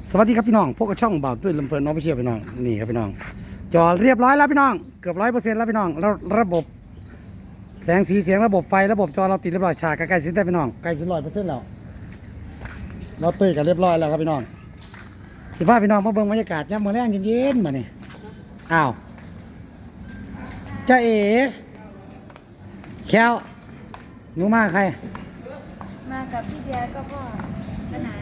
สวัสดีครับพี่น้องพวกกับช่องบ่าวตุ้ยลำเพลินน้องไปเชียร์พี่น้องนี่ครับพี่น้องจอเรียบร้อยแล้วพี่น้องเกือบ100%แล้วพี่น้องแล้วระบบแสงสีเสียงระบบไฟระบบจอเราติดเรียบร้อยฉากใกล้ๆสิ้นได้พี่น้องใกล้สิ้น100%แล้วเราตุ้ยกันเรียบร้อยแล้วครับพี่น้องสิพาพี่น้องมาเบิ่งบรรยากาศยามมื้อแรงเย็นๆมานี่อ้าวจ้าเอ๋แควหนูมาใครมากับพี่เดียก็พ่อปัญหา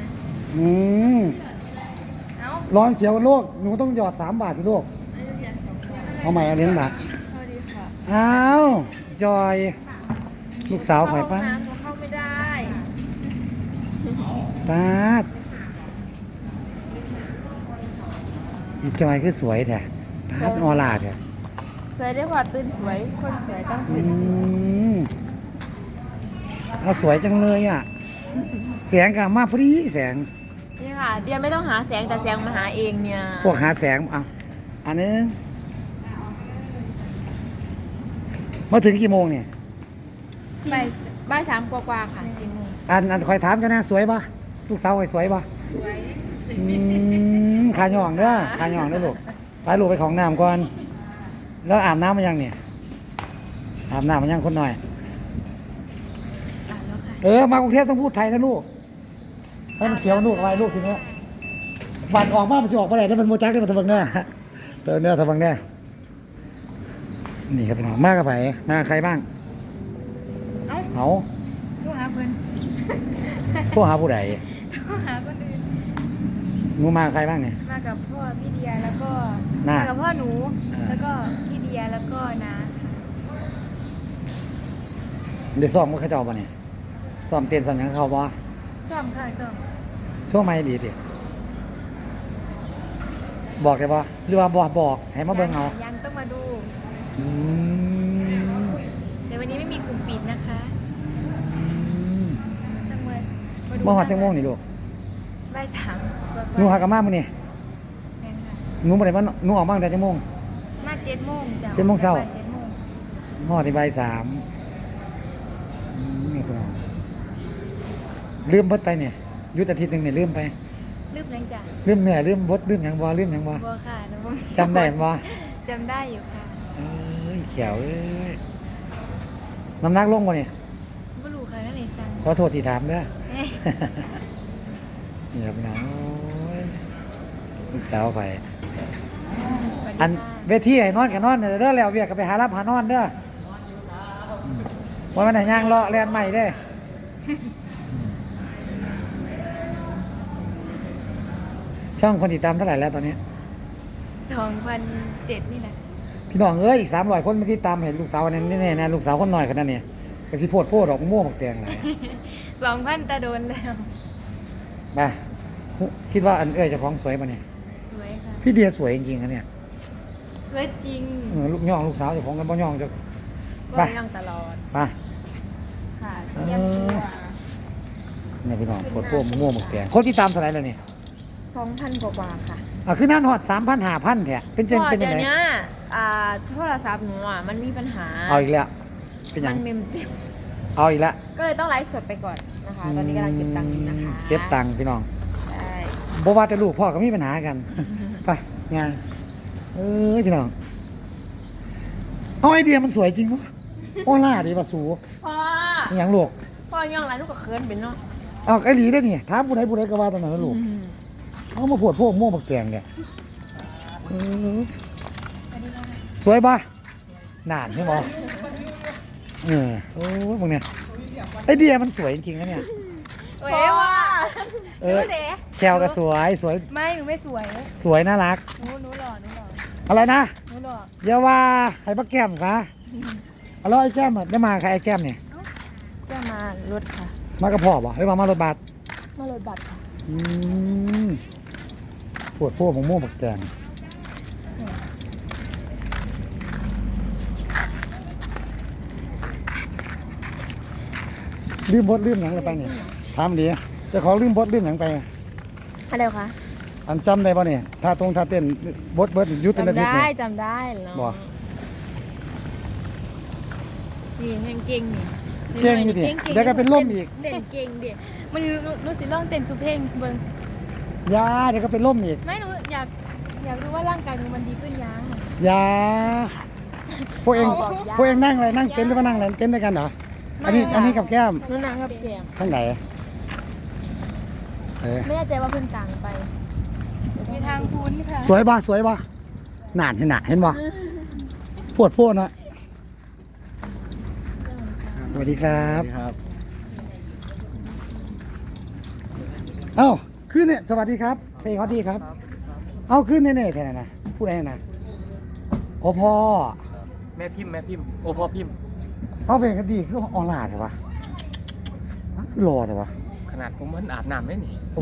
เอ้าร้อนเขียวโลกหนูต้องหยอด3 บาทสิลูกเอาใหม่เอาเหรียญบาทพอดีค่ะอ้าวจอยลูกสาวข่อยป้าเข้าไม่ได้ป้าดอีจอยคือสวยแท้ป้าดออร่าแท้สวยได้พอตื่นสวยคนสวยต้องตื่นเอาสวยจังเลยอ่ะแสงกับมาพอดีแสงนี่ค่ะเดียนไม่ต้องหาแสงแต่แสงมาหาเองเนี่ยพวกหาแสงเอาอันนึงมาถึงกี่โมงเนี่ยบ่าย3กว่าๆค่ะ4 โมงอันคอยถามกันนะสวยปะลูกสาวคอยสวยปะสวยขาหย่องเด้อขาหย่องเด้อลูกไปลูกไปของน้ำก่อนแล้วอาบน้ำมายังเนี่ยอาบน้ำมายังคนหน่อยแล้วค่ะมากรุงเทพต้องพูดไทยนะลูกให้มันเขียวลูกอะไรลูกทีนี้บัตรออกมามันจะออกไปไหนได้มันโมจักได้มันทะบังแน่เติมเนื้อทะบังแน่นี่ครับพี่น้องมากกับไผ่มาใครบ้างเอาโทรหาเพื่อนพวกหาผู้ใดโทรหาคนอื่นหนูมาใครบ้างเนี่ยมากับพ่อพี่เดียแล้วก็น่ะมากับพ่อหนูอ่าแล้วก็พี่เดียแล้วก็น้าเดี๋ยวซ้อมก็เขาเจ้าป่ะเนี่ยซ้อมเต้นซ้อมหยังเขาบ่ชอบค่ะชอบช่วงไม่ดีดิบอกได้ป่ะหรือว่าบอกให้มาเบิ่งเอายังต้องมาดูอืมเดี๋ยววันนี้ไม่มีกลุ่มปิดนะคะต้องมาดูเมื่อหอดจังโมงนี่ลูกบ่าย3 หนูหากะมามื้อนี่แม่นค่ะหนูบ่ได้มาหนูออกมาตั้งแต่จังโมงมา7 โมงจ้ะ 7 โมงเช้า 7 โมงหอดที่บ่าย 3นี่พี่น้องลืมเบิดไปเนี่ยหยุดอาทิตย์หนึงเนี่ยลืมไปลืมยังจ้ะลืมเหนื่อยลืมบดลืมหยังบ่ลืมหยังบ่บัวค่ะน้องจำได้บ่จำได้อยู่ค่ะเอ้ยเขียวเอ้ยน้ำหนักลงบ่เนี่ยบ่รู้ค่ะนั่นเองสั่งขอโทษที่ถามเด้อเอ๊ะนี่ครับพี่น้องโอ้ยลูกสาวไปสวัสดีอันค่ะเวทีให้นอนก็นอนเด้อแล้วเวียกก็ไปหารับหานอนเด้อว่ามันให้ย่างเลาะแล่นใหม่เด้อช่องคนติดตามเท่าไหร่แล้วตอนนี้ 2007นี่แหละพี่น้องเอ้ยอีก300 คนมาติดตามเห็นลูกสาวนั่นแน่ๆนะลูกสาวคนน้อยคนนั้นเนี่ยก็สิโพดดอกม่วงบักแตงหลาย 2,000ตาโดนแล้วมาคิดว่าอันเอ้ยเจ้าของสวยป่ะเนี่ยสวยค่ะพี่เดียสวยจริงๆนะเนี่ยสวยจริงลูกย่องลูกสาวเจ้าของกันบ่ย่องจะบ่ยังตลอดไปค่ะเออยังตัวเนี่ยพี่น้องโพดม่วงบักแตงคนที่ตามเท่าไหร่แล้วเนี่ย 2,000 กว่าๆค่ะคือนั่นหอด3,000 5,000แท้เป็นจังเป็นเดี๋ยัยงวไงเนี้ยโทรศัพท์หนูมันมีปัญหาเอาอีกแล้วเป็นหยัมังนเมมเต็มเอาอีกแล้วก็เลยต้องไลฟ์สดไปก่อนนะคะ ตอนนี้กำลังเก็บตังค์อยู่นะคะเก็บตังค์พี่น้องใช่บ่ว่าแต่ลูกพ่อก็มีปัญหากัน ไปงานเอ้ยพี่น้องเอาไอเดียมันสวยจริงปะโอ้ล่าดีป่ะสูพ่ออหย่างลูกพ่อย่องไรลูกก็เคินเป็นเนาะเอาไอหลีได้นี่ถามผู้ใดก็ว่าตอนนั้นนะลูกเอามาปวดพวกม่วงบักแตงเนี่ยเออสวยปะนานใช่ไหมโอ้ยมึงเนี่ยไอเดียมันสวยจริงๆนะเนี่ยเว้ยว่าหนูเด๋แคลก็สวยไม่หนูไม่สวยสวยน่ารักหนูหล่ออะไรนะหนูหล่ออย่าว่าให้ป้าแก้มค่ะแล้วไอ้แก้มได้มาใครไอ้แก้มเนี่ยจะมารถค่ะมากระเพาะบ่หรือมารถบัสมารถบัตรค่ะปวดพวกม่วงบักแตงลืมบดลืมหนังอะไรไปเนี่ยถามดีเจะของลืมบดลืมหนังไปอะไรคะอันจำได้ป่ะเนี่ยท่าเต้นบดเบิดยุดเป็นอาจำทิตย์ได้เนี่ยจำได้เนาะบ่นี่แห่งเก่งนี่เก่งอยู่ดิเดี๋ยวก็เป็นล่มอีกเต้นเก่งดิมันรู้สิลองเต้นสุเพลงเบิ่งยาเดี๋ยวก็เป็นล่มอีกไม่หนูอยากรู้ว่าร่างกายหนูมันดีขึ้นยังยาพวกเองเอาบอกยาพวกเองนั่งอะไรนั่งเต็นท์หรือว่านั่งอะไรเต็นท์ด้วยกันเหรออันนี้กับแก้มหนูนั่งกับแกมข้างไหนเออไม่แน่ใจว่าเพิ่นกลางไปมีทางพุ้นค่ะสวยบ่สวยบ่หนานเห็นหนาเห็นบ่ปวดพนะสวัสดีครับครับเอ้าขึ้นเนี่ยสวัสดีครับเพลงเขาดีครับ เอาขึ้นเนี่ยแค่ไหนนะพูดอะไรนะโอ้พ่อแม่พิมพ์โอพ่อพิมพ์เอาเพลงเขาดีคือออนไลน์ใช่ปะคือรอใช่ปะขนาดผมมันอาบน้ำได้นี่โอ้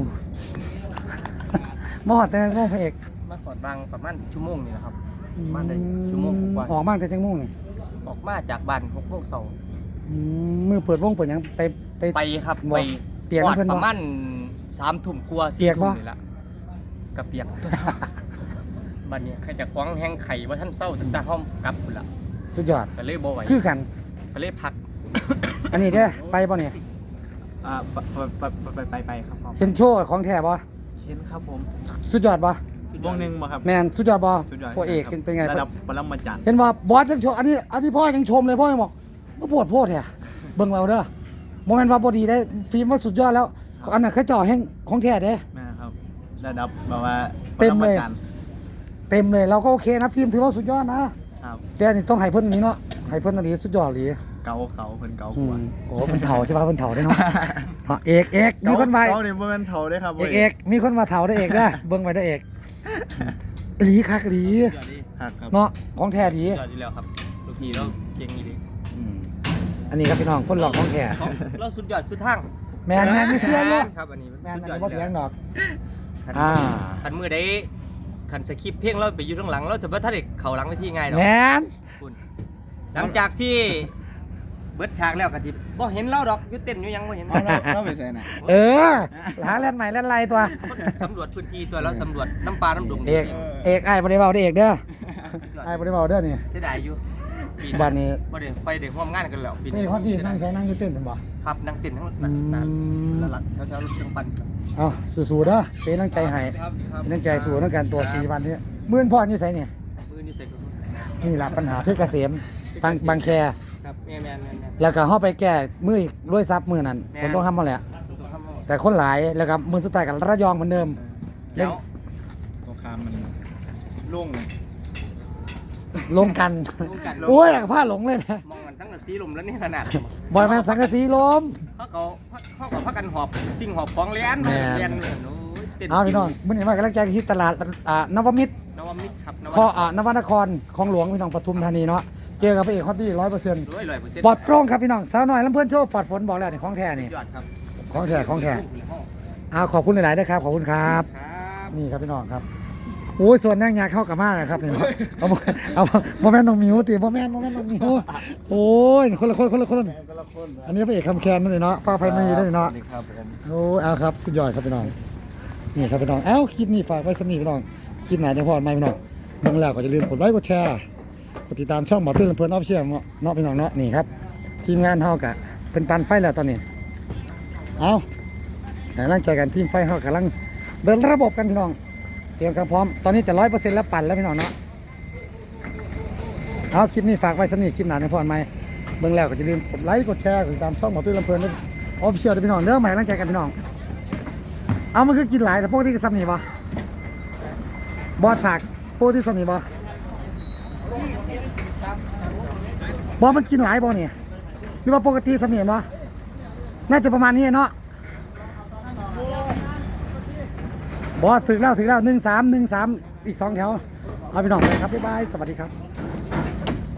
มอดแต่งโมงพระเอกมาก่อนบางประมาณชั่วโมงนี่นะครับมาได้ชั่วโมงกว่าออกบ้างแต่จังโมงนี่ออกมาจากบ้าน6 โมงเช้ามือเปิดวงเปิดหยังไปไปครับบ่ไปเปียกน้ำเพิ่นบ่ประมาณ3 ทุ่มกว่าเปียก 4 บ่ทุ่มนี่ละกับเปียก บัดนี้ใครจะคว้างแห้งไข่ว่าท่านเศร้าตั้งแต่ห้องกลับพุ่นละสุดยอดก็เลยบ่ไหวคือกันก็เลยพักอันนี้เด้อไปป่ะเนี่ยไปครับเห็นโชว์ของแท้ป่ะเช่นครับผมสุดยอดป่ะวงหนึ่งมาครับแมนสุดยอดป่ะสุดยอดพวกเอกเป็นไงระดับปรมาจารย์เห็นว่าบอสยังโชว์อันนี้พ่อยังชมเลยพ่อยังบอกว่าปวดโพดแท้เบิ่งเอาเด้อโมเมนต์ว่าบอดีได้ฟิล์มว่าสุดยอดแล้วอันนั้นเขาจ่อแห้งของแท้เด้นะครับระดับแบบว่าเต็มเลยปรมาจารย์เต็มเลยเราก็โอเคนะฟิล์มถือว่าสุดยอดนะครับ แต่อันนี่ต้องให้เพิ่นนี้เนาะให้เพิ่นอันนี้สุดยอดเลยเก่าเพิ่นเก่าอืกว่ามโอ้เพิ่นเฒ่าใช่ป่ะเพิ่นเฒ่าได้เนาะเอกมีคนมาเก่าเนี่ยบ่แม่นเฒ่าเด้ครับเอกมีคนมาเฒ่าได้เอกเด้อเบิ่งไว้ได้เอกหลีคักหลีครับเนาะของแท้ดียอดดีแล้วครับลูกพี่เราเก่งดีอันนี้ครับพี่น้องคนหลอกของแท้เราสุดยอดสุดทางแมนมีเสื้อเยอะครับอันนี้แมนสุดอันยอดนี้บ่เถียงดอกคันมือได้คันสคริปต์เพลงเราไปอยู่ข้างหลังเราจะบ่ทันได้เข้าหลังเวทีง่ายดอกแมนคุณหลังจากที่เบิดฉากแล้วก็สิบ่เห็นเราดอกอยู่เต้นอยู่ยังบ่เห็นเราไปใส่ไหนเออหาแล่นใหม่แล่นไรตัวสำรวจพื้นที่ตัวเราสำรวจน้ำปลาน้ำดงเอกไอ้ายบ่ได้เว้าได้เอกเด้อไอ้ายบ่ได้เว้าเด้อนี่เสียดายอยู่ปีบ้านนี้บ่ได้ไปได้ร่วมงานกันแล้วปีนี่คนที่นั่งใช้นั่งอยู่เต้นเป็นบ่ครับนั่งเต้นทั้งนั้นละหลักแถวๆรถเครื่องปั่นเอ้าสู้ๆเด้อเป็นกำลังใจให้ครับเป็นกำลังใจสู้ในการตัว4วันนี้มื้อนพ่ออยู่ไสเนี่ยมือนี่ใส่กระสุนนี่ล่ะปัญหาเพชรเกษมบางแคครับแม่นแล้วก็เฮาไปแก้มืออีกรวยทรัพย์มื้อนั้นคนต้องทำมาแหละตัวคำว่าแต่คนหลายแล้วก็มื้อสุดท้ายก็ระยองเหมือนเดิมแล้วสงครามมันโล่งเลยลงกันลงกันโอ้ยผ้าหลงเลยนะมองกันทั้งกับสีลมแล้วนี่ขนาดบอยแมนสังกะสีลมเขากับพักกันหอบสิ่งหอบของเลี้ยนแม่นเลี้ยนโอ้ยเต้นเอาพี่น้องมื้อนี้มากำลังใจที่ตลาดนวมิตรนวมิตรครับนวนครของหลวงพี่น้องปทุมธานีเนาะเจอกับพระเอกฮอตตี้100% 100% ปลอดโปร่งครับพี่น้องสาวน้อยลำเพื่อนโชว์ปลอดฝนบอกแล้วนี่ของแท้นี่ยอดครับของแท้ขอบคุณหลายๆด้วยครับขอบคุณครับครับนี่ครับพี่น้องครับโอ้ยส่วนนั่งยาเข้ากับมากเลยครับนี่เอาโมเมนต์น้องมิวตีโมเมนต์น้องมิวโอ้ยคนละอันนี้พระเอกคำแคนนั่นเองเนาะฟ้าไฟมันมีได้เนาะครับผมโอ้เอาครับสุดยอดครับพี่น้องนี่ครับพี่น้องคลิปนี้ฝากไว้สนิทพี่น้องคลิปไหนจะพอดไหมพี่น้องเบิ่งแล้วก็อย่าลืมกดไลค์กดแชร์กดติดตามช่องหมอตื้นลำเพลินออฟเชียลเนาะพี่น้องเนาะนี่ครับทีมงานเฮากะเป็นปันไฟแล้วตอนนี้เอาแต่ร่างใจกันทีมไฟเฮากำลังเดินระบบกันพี่น้องเตรียมความพร้อมตอนนี้จะ100%แล้วปั่นแล้วพี่น้องเนาะเอาคลิปนี้ฝากไว้สนิทคลิปไหนจะพอดไหมเบิ่งแล้วก็อย่าลืมกดไลค์กดแชร์กดติดตามช่องหมอตื้นลำเพลินออฟเชียลพี่น้องเด้อใหม่ร่างใจกันพี่น้องเอามันคือกินหลายแต่พวกที่กระซับนี่บ่บอฉากพวกที่สนิทบ่บอมันกินหลายบ่เนี่ยหรือว่าปกติสนิทบ่น่าจะประมาณนี้เนาะบอสถึงแล้ว1313อีก2แถวเอาพี่น้องไปครับบ๊ายบายสวัสดีครับ